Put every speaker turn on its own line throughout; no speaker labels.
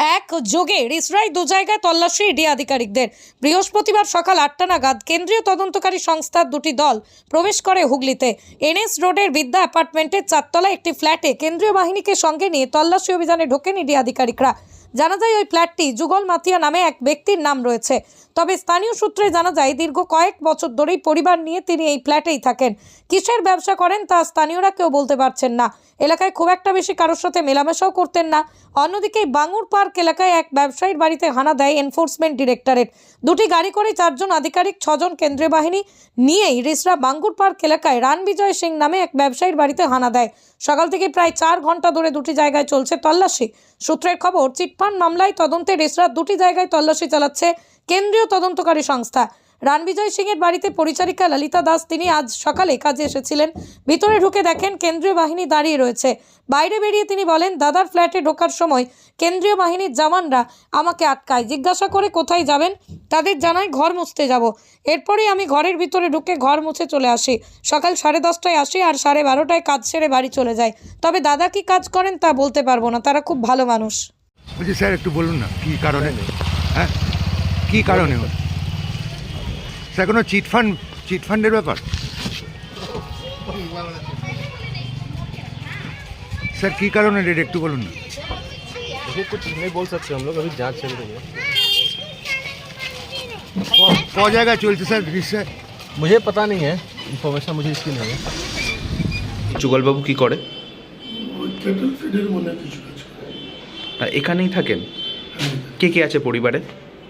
এক যোগে রিসরায় দু জায়গায় তল্লাশি ইডি আধিকারিকদের। বৃহস্পতিবার সকাল 8টা নাগাদ কেন্দ্রীয় তদন্তকারী সংস্থার দুটি দল প্রবেশ করে হুগলিতে এনএস রোডের বিদ্যা অ্যাপার্টমেন্টের 4তলা একটি ফ্ল্যাটে কেন্দ্রীয় বাহিনীকে সঙ্গে নিয়ে তল্লাশি অভিযানে ঢোকেন ইডি আধিকারিকরা। জানা যায় ওই ফ্ল্যাটটি যুগল মাতিয়া নামে এক ব্যক্তির নাম রয়েছে। তবে স্থানীয় সূত্রে জানা যায় দীর্ঘ কয়েক বছর ধরেই পরিবার নিয়ে তিনি এই ফ্ল্যাটেই থাকেন। কিসের ব্যবসা করেন তা স্থানীয়রা কেউ বলতে পারছেন না। এলাকায় খুব একটা বেশি কারোর সাথে মেলামেশাও করতেন না। অন্যদিকে বাঙুর পার্ক এলাকায় এক ব্যবসায়ীর বাড়িতে হানা দেয় এনফোর্সমেন্ট ডিরেক্টরেট। দুটি গাড়ি করে 4 জন আধিকারিক 6 জন কেন্দ্রীয় বাহিনী নিয়েই রিসরা বাঙ্গুর পার্ক এলাকায় রানবিজয় সিং নামে এক ব্যবসায়ীর বাড়িতে হানা দেয়। সকাল থেকে প্রায় 4 ঘন্টা ধরে দুটি জায়গায় চলছে তল্লাশি। সূত্রের খবর, চিটফান্ড মামলায় তদন্তে রিসরার দুটি জায়গায় তল্লাশি চালাচ্ছে কেন্দ্রীয় তদন্তকারী সংস্থা। রানবিজয় সিং এর বাড়িতে পরিচারিকা ললিতা দাস তিনি আজ সকালে কাজে এসেছিলেন। ভিতরে ঢুকে দেখেন কেন্দ্রীয় বাহিনী দাঁড়িয়ে রয়েছে। বাইরে বেরিয়ে তিনি বলেন, দাদার ফ্ল্যাটে ঢোকার সময় কেন্দ্রীয় বাহিনীর জওয়ানরা আমাকে আটকায়, জিজ্ঞাসা করে কোথায় যাবেন। তাদের জানায় ঘর মুছতে যাব। এরপরেই আমি ঘরের ভিতরে ঢুকে ঘর মুছে চলে আসি। সকাল 10:30টায় আসি আর 12:30টায় কাজ সেরে বাড়ি চলে যাই। তবে দাদা কি কাজ করেন তা বলতে পারবো না, তারা খুব ভালো মানুষ।
বলছি স্যার একটু বলুন না কী কারণে, হ্যাঁ কী কারণে স্যার? কোনো চিটফান্ডের ব্যাপার স্যার? কী কারণে রেড একটু বলুন না।
कुछ नहीं बोल सकते हम लोग, अभी जांच चल रही है।
ক জায়গায় চলছে স্যার দৃশ্যে?
मुझे पता नहीं है, इन्फॉर्मेशन मुझे इसकी नहीं है।
যুগলবাবু কি করে?
ক্যাটেল ফিডের মনে হয় কিছু কাজ করে।
আর এখানেই থাকেন? কে কে আছে পরিবারে?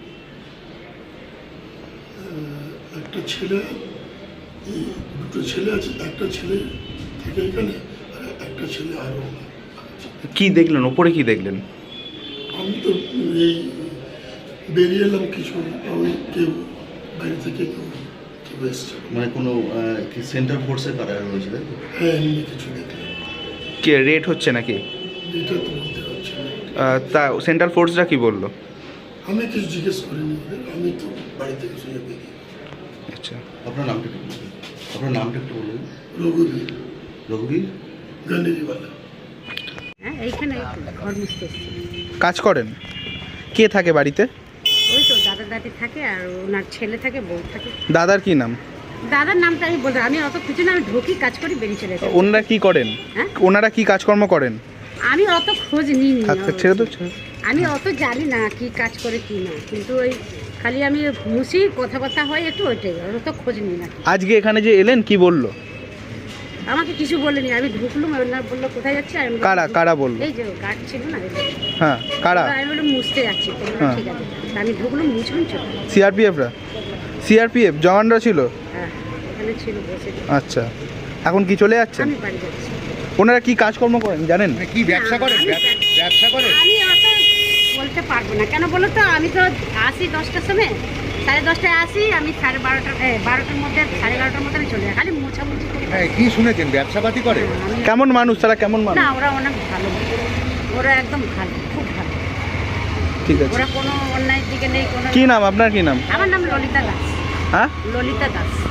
একটা ছেলে, দুটো ছেলে আছে, একটা ছেলে থাকে এখানে আর একটা ছেলে আরও আছে।
কি দেখলেন ওপরে, কি দেখলেন?
আমি তো এই বেরিয়ে এলাম কিছু, আমি কেউ বাইরে থেকে কেউ এসছে,
মানে কোনো কি সেন্টার ফোর্সের কারা রয়েছে তাই তো?
হ্যাঁ এমনি কিছু দেখলাম।
কে রেড হচ্ছে নাকি?
এটা তো বলতে পারছি না।
তা সেন্ট্রাল ফোর্সরা কি বললো?
আমি কিছু জিজ্ঞেস করিনি ওদের, আমি তো বাড়ি থেকে শুনে বেরিয়ে।
আচ্ছা,
আপনার নামটা একটু বলুন। আপনার নামটা একটু বলুন।
রঘুবীর
রঘুবীর
গান্ধীবালা।
হ্যাঁ এইখানে ঘর মুছতে এসেছি।
কাজ করেন? কে থাকে বাড়িতে?
ওই তো দাদা দাদি থাকে আর ওনার ছেলে থাকে, বউ থাকে।
দাদার কি নাম?
দাদার নামটা আমি বলতে, আমি অত কিছু না, আমি ঢুকি কাজ করি বেরিয়ে চলে যাই।
ওনারা কি করেন?
হ্যাঁ?
ওনারা কি কাজকর্ম করেন?
আমি অত খোঁজ নিইনি,
আচ্ছা, ছেড়ে তো ছেড়ে।
আমি অত জানি না কি কাজ করে কি না, কিন্তু ওই খালি আমি মুছি, কথাবার্তা হয় একটু, ওইটাই, অত খোঁজ নিই না।
আজকে এখানে যে এলেন কি বললো?
আমাকে কিছু বলেনি, আমি ঢুকলুম, ওনার বললো কোথায় যাচ্ছে। আমি বললাম,
কারা কারা বললো?
এই যে গার্ড ছিল না,
হ্যাঁ কারা?
আমি বললাম মুছতে যাচ্ছি। তো বললো,
হ্যাঁ।
ঠিক আছে। তা আমি ঢুকলুম, মুছলুম, চলে।
সিআরপিএফ জওয়ানরা ছিল?
হ্যাঁ এখানে ছিল, বসে।
আচ্ছা, এখন কি চলে যাচ্ছেন?
আমি বাড়ি যাচ্ছি।
ওনারা কি কাজকর্ম করেন জানেন?
মানে কি ব্যবসা করেন? ব্যবসা করেন?
আমি অত বলতে পারবো না, কেন বলো তো, আমি তো আসি 10টার সময়, 10:30টায় আসি, আমি 12টার মধ্যে 11:30টার মধ্যে আমি চলে যাই, খালি মোছামুছি করি।
হ্যাঁ, কি শুনেছেন ব্যবসাপাতি করে?
কেমন মানুষ তারা, কেমন মানুষ?
না ওরা অনেক ভালো, ওরা একদম ভালো, খুব ভালো।
ঠিক আছে।
ওরা কোনো অন্যায়ের দিকে নেই। কোনো
কি নাম আপনার? কি নাম?
আমার নাম ললিতা দাস।
হ্যাঁ,
ললিতা দাস।